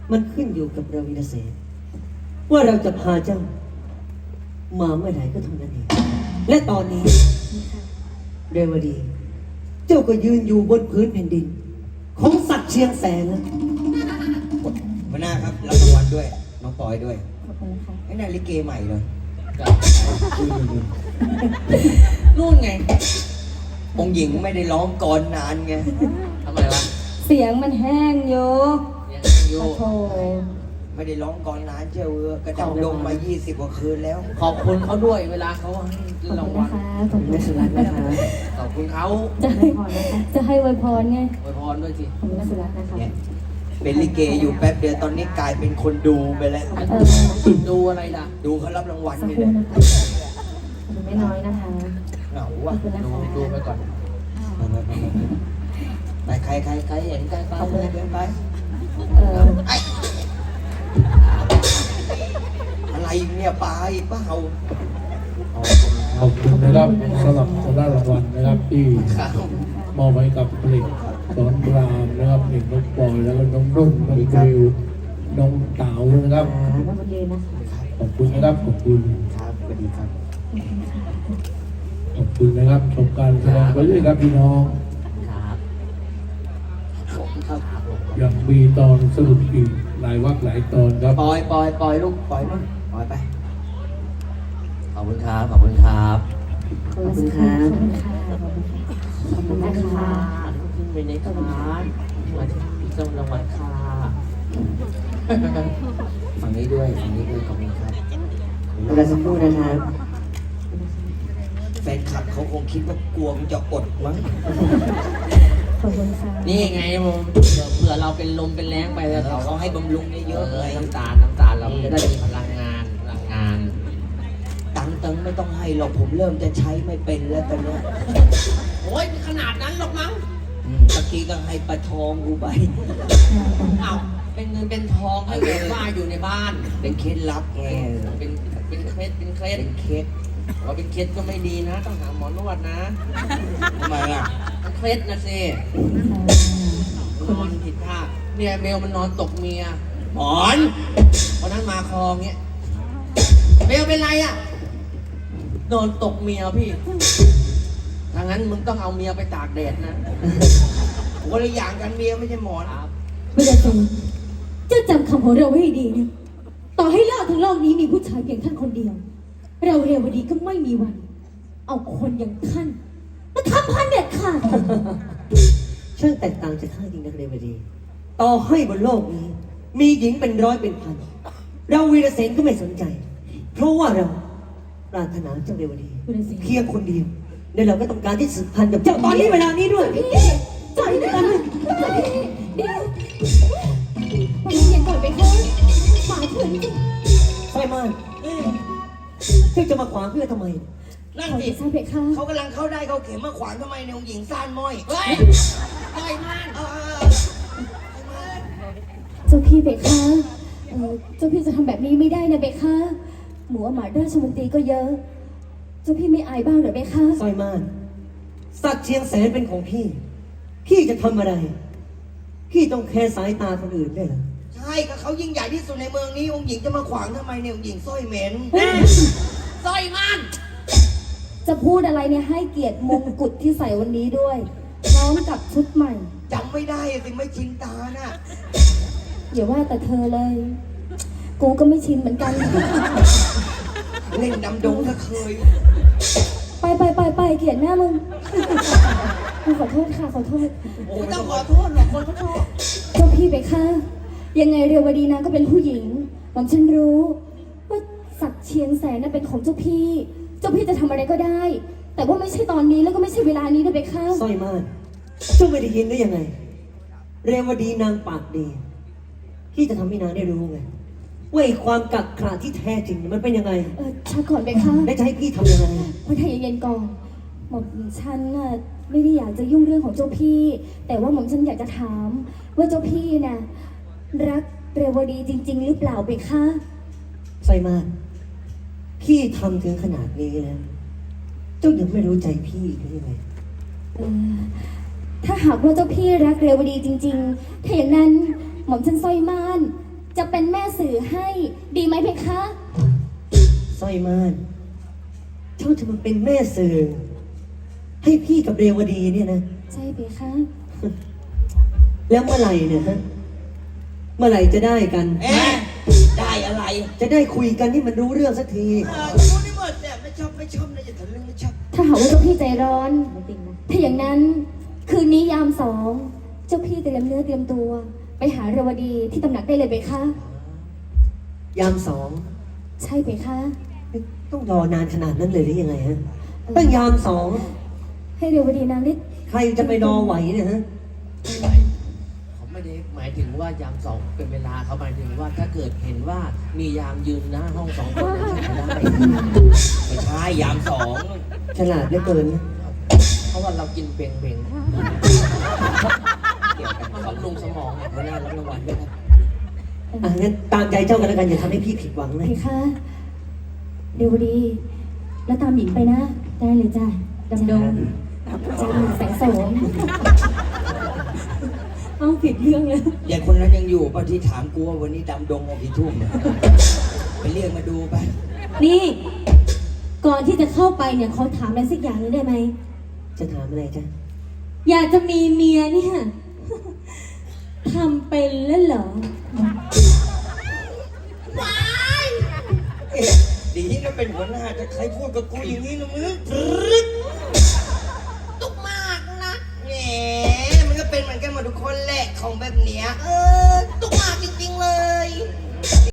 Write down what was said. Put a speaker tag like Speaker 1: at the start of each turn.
Speaker 1: มันขึ้นอยู่กับเราวินาเสนว่าเราจะพาเจ้ามาเมื่อไหร่ก็เท่านั้นเองและตอนนี้เรวดี เจ้าก็ยืนอยู่บนพื้นแผ่นดิน ของสัตว์เชียงแสนแล้ว
Speaker 2: หัวหน้าครับรับรางวัลด้วยน้องปอยด้วย
Speaker 3: ขอบคุณค่ะ
Speaker 2: ไอ้นั่นลิเกใหม่เลย
Speaker 4: นู่นไง
Speaker 2: องค์หญิงไม่ได้ร้องก่อนนานไง
Speaker 4: ทำไมวะ
Speaker 3: เสียงมันแห้งอยู่
Speaker 4: ยังอยู่
Speaker 3: โอ้โห
Speaker 2: ไม่ได้ร้องก่อนนานเจ้ากระดังดงมา20 กว่าคืนแล้ว
Speaker 4: ขอบคุณเขาด้วยเวลาเขาให้
Speaker 3: ขอบ
Speaker 4: ราง
Speaker 3: คุณ
Speaker 4: วั
Speaker 3: นะ
Speaker 4: ล
Speaker 3: คะขอบคุณ
Speaker 1: ไม่สุรัตน์นะคะ
Speaker 4: ขอบคุณเขา
Speaker 3: จะให้อวยพรไง
Speaker 4: อวยพรด้วยสิ
Speaker 3: ขอบคุณสุรัตน์นะคะ
Speaker 2: เนี่ยเป็นลิเกอยู่แป๊บเดียวตอนนี้กลายเป็นคนดูไปแล้ว
Speaker 4: ดูอะไรล่ะ
Speaker 2: ดูเขารับรางวัล
Speaker 3: สัก
Speaker 2: นี่
Speaker 3: ครู่
Speaker 2: นะ
Speaker 3: นะคะขอบคุณไม่น้อยนะคะ
Speaker 2: เหงา
Speaker 3: ขอ
Speaker 2: ว่ะ
Speaker 3: บคุณนะคะ
Speaker 4: ดูไปก่อน
Speaker 2: ไปใครเห็นใครไปเลยเดินไป
Speaker 3: เออ
Speaker 2: อะไรเนี่ยปลาอีกเปล่า
Speaker 5: ขอบคุณนะครับสำหรับสำหรับรางวัลนะครับที่
Speaker 4: ครับ
Speaker 5: มอบให้กับผลิตสอนรามนะครับเด็กน้องปอยแล้วก็น้องรุ่นน้องกริวน้องเต๋านะครับ
Speaker 3: ขอบคุณยืนนะคะ
Speaker 5: ขอบคุณนะครับขอบคุณ
Speaker 2: ครับสวัสดีครับ
Speaker 5: ขอบคุณนะครับชมการแสดงไปเรื่อยครับพี่น้อง
Speaker 4: ครับผมครับ
Speaker 5: ยังมีตอนสรุปอีกหลายวักหลายตอนครับ
Speaker 2: ปล่อยลูกปล่อยมั้งปล่อยไป
Speaker 4: ขอบคุณครับ ขอบคุณครับ
Speaker 3: ขอบคุณค่ะขอบคุณค่ะขอบคุณนะคะ
Speaker 4: ขึ้นไปในคานมาที่ส่งรางวัลค่ะ
Speaker 2: ฝั่งนี้ด้วยขอบคุณครับ
Speaker 1: เวลาสักครู่นะครับ
Speaker 2: แฟนคลับเขาคงคิดว่ากลัวมันจะอดมั้ง
Speaker 3: ขอบคุณค่ะ
Speaker 4: นี่ไงผมเผื่อเราเป็นลมเป็นแรงไปแล้ว
Speaker 2: เขาให้บำรุงเยอะๆเลย
Speaker 4: น้ำตาลเราจะได้มีพลังงาน
Speaker 2: ตังค์ไม่ต้องให้หรอกผมเริ่มจะใช้ไม่เป็นแล้วตอนเนี้ย
Speaker 4: โอ้ยขนาดนั้นหรอกมั้ง
Speaker 2: เมื่อกี้ก็ให้ปลาทองกูไป
Speaker 4: อ้าวเป็นเงินเป็นทองให้แบบว่าอยู่ในบ้าน
Speaker 2: เป็นเคล็ดลับไง
Speaker 4: เป็นเคล็ด
Speaker 2: เป็นเคล็ด
Speaker 4: ว่าเป็นเคล็ดก็ไม่ดีนะ ต้องหาหมอนวดนะ
Speaker 2: ทำไมอ่ะ
Speaker 4: มันเคล็ดนะสินอนผิดท่าเนี่ยเบลมันนอนตกเมีย
Speaker 2: หมอน
Speaker 4: วันนั้นมาคลองเงี้ยเบลเป็นไรอ่ะนอนตกเมียพี่ถ้างั้นมึงต้องเอาเมียไปตากแดดนะ
Speaker 2: คนละอย่างกันเมียไม่ใช่หมอน
Speaker 4: ครับ
Speaker 3: เวลาจงเจ้าจำคำของเราไว้ให้ดีนะต่อให้โลกทั้งโลกนี้มีผู้ชายเพียงท่านคนเดียว เราเรวดีก็ไม่มีวัน เอาคนอย่างท่านมาทำพันเด็ดขาด
Speaker 1: ช่างแตกต่างจากข้าจริงนะเรวดี ต่อให้บนโลกนี้ มีหญิงเป็นร้อยเป็นพัน เราวีรเสนก็ไม่สนใจ เพราะว่าเราปรารถนาเจ้าเรวดี
Speaker 3: วีรเสน
Speaker 1: เพียงคนเดียวและเราก็ต้องการที่สืบพันธุ์กับเจ้าตอนนี้เวลานี้ด้วย
Speaker 3: ใจด้วยกันเดี๋ยวไปเย็นก่อนไปค่ะหมายถึง
Speaker 1: ไฟมานเจ้าจะมาขวางเพื่อทำไม
Speaker 2: นั่น
Speaker 3: ขอ
Speaker 2: ดิ
Speaker 3: จะทราบเพคะ
Speaker 2: เขากำลังเข้าได้เขาเข็มมาขวางทำไมเนี่ยองค์หญิงซ่านม้อย
Speaker 4: เฮ้ยปล่อยมัน
Speaker 3: เจ้าพี่เพคะเจ้าพี่จะทำแบบนี้ไม่ได้นะเพคะหมูหมาราชมนตรีก็เยอะ เจ้าพี่ไม่อายบ้างเหรอเพคะ
Speaker 1: สร้อยม่านสัตว์เชียงแสนเป็นของพี่ พี่จะทำอะไร พี่ต้องแคร์สายตาคนอื่นได้วยเหรอ
Speaker 2: ใช่ก็เขายิ่งใหญ่ที่สุดในเมืองนี้องค์หญิงจะมาขวางทำไมเนี่ยองค์หญิงสร้อยเหม็น
Speaker 4: สร้อยมัน
Speaker 3: จะพูดอะไรเนี่ยให้เกียรติมงกุฎที่ใส่วันนี้ด้วยพร้อมกับชุดใหม่
Speaker 2: จำไม่ได้สิไม่ชินตาน่ะ
Speaker 3: อย่าว่าแต่เธอเลย กูก็ไม่ชินเหมือนกัน
Speaker 2: เล่นดำดงถ้าเคย
Speaker 3: ไปเกลียดหน้ามึงกูขอโทษค่ะขอโทษ
Speaker 4: ไม่ต้องขอโทษหรอกคนเขาชอบ
Speaker 3: เจ้าพี่ไปค่ะยังไงเรวดีนางก็เป็นผู้หญิงหม่อมฉันรู้ว่าศักดิ์เชียงแสนน่ะเป็นของเจ้าพี่ เจ้าพี่จะทำอะไรก็ได้ แต่ว่าไม่ใช่ตอนนี้แล้วก็ไม่ใช่เวลานี้นะไปค่ะ
Speaker 1: สร้อยม่านเจ้าไม่ได้ยินได้ยังไง เรวดีนางปากดี พี่จะทำให้นางได้รู้ไงว่าไอ้ความกักขระที่แท้จริงมันเป็นยังไง
Speaker 3: ช้าก่อนไปค่ะ
Speaker 1: และจะให้พี่ทำยังไง
Speaker 3: พอไทยเย็นๆก่อนหม่อมฉันน่ะไม่ได้อยากจะยุ่งเรื่องของเจ้าพี่ แต่ว่าหม่อมฉันอยากจะถามว่าเจ้าพี่น่ะรักเรวดีจริง ๆ หรือเปล่าไปคะ
Speaker 1: สร้อยม่านพี่ทำถึงขนาดนี้แล้วเจ้ายังไม่รู้ใจพี่อีกหรือยังไง
Speaker 3: เอ่อถ้าหากว่าเจ้าพี่รักเรวดีจริง ๆ ถ้าอย่างนั้นหม่อมฉันสร้อยม่านจะเป็นแม่สื่อให้ดีไหมเพคะ
Speaker 1: สร้อยม่านเจ้าจะมาเป็นแม่สื่อให้พี่กับเรวดีเนี่ยนะ
Speaker 3: ใช่เพคะ
Speaker 1: แล้วเมื่อไหร่เนี่ยฮะ เมื่อไหร่จะได้กัน
Speaker 2: เอ๊ะได้อะไร
Speaker 1: จะได้คุยกันที่มันรู้เรื่องสักที
Speaker 2: รู้นี่หมดเนี่ยไม่ชอบนะอย่าทะลึ่งไม่ชอบ
Speaker 3: ถ้าหากว่าเจ้าพี่ใจร้อน ถ้าอย่างนั้นคืนนี้ยามสองเจ้าพี่เตรียมเนื้อเตรียมตัว ไปหาเรวดีที่ตำหนักได้เลยเพคะ
Speaker 1: ยามสอง
Speaker 3: ใช่เพคะ
Speaker 1: ต้องรอนานขนาดนั้นเลยหรือยังไงฮะตั้งยามสอง
Speaker 3: ให้เรวดีนางได้
Speaker 1: ใครจะไปรอไหวเนี่ยฮะ
Speaker 4: เขาไม่ได้หมายถึงว่ายามสองเป็นเวลาเขาหมายถึงว่าถ้าเกิดเห็นว่ามียามยืนหน้าห้องสองคนนั้นใช้ได้
Speaker 2: ไม่ใช่ยามสอง
Speaker 1: ฉลาดเหลือเกินนะ
Speaker 4: เพราะว่าเรากินเบง
Speaker 2: เกี่ยวกัน
Speaker 4: มันบำรุงสมองอะ
Speaker 2: หัวหน้ารับรางวัลด้วยครับ
Speaker 1: อ่ะงั้นตามใจเจ้ากันแล้วกันอย่าทำให้พี่ผิดหวังเล
Speaker 3: เพ
Speaker 1: ย
Speaker 3: คะเรวดี แล้วตามหญิงไปนะ ได้เลยจ้ะดำดงจ้าแสงโสมเอาผิดเรื่องเลย
Speaker 2: เด็กคนนั้นยังอยู่ป่ะที่ถามกูว่าวันนี้ดำดงออกกี่ทุ่มไปเรียกมาดูไป
Speaker 6: นี่ ก่อนที่จะเข้าไปเนี่ยเขาถามอะไรสักอย่างนึงได้ไหม
Speaker 1: จะถามอะไรจ้ะ
Speaker 6: อยากจะมีเมียเนี่ย ทำเป็นแล้วเหรอ
Speaker 2: เอ๊ะดีนะเป็นหัวหน้าจะใครพูดกับกูอย่างนี้นะมึงตุกมากนะแหมมันก็เป็นเหมือนกันหมดทุกคนแหละของแบบเนี้ยตุกมากจริงๆเลย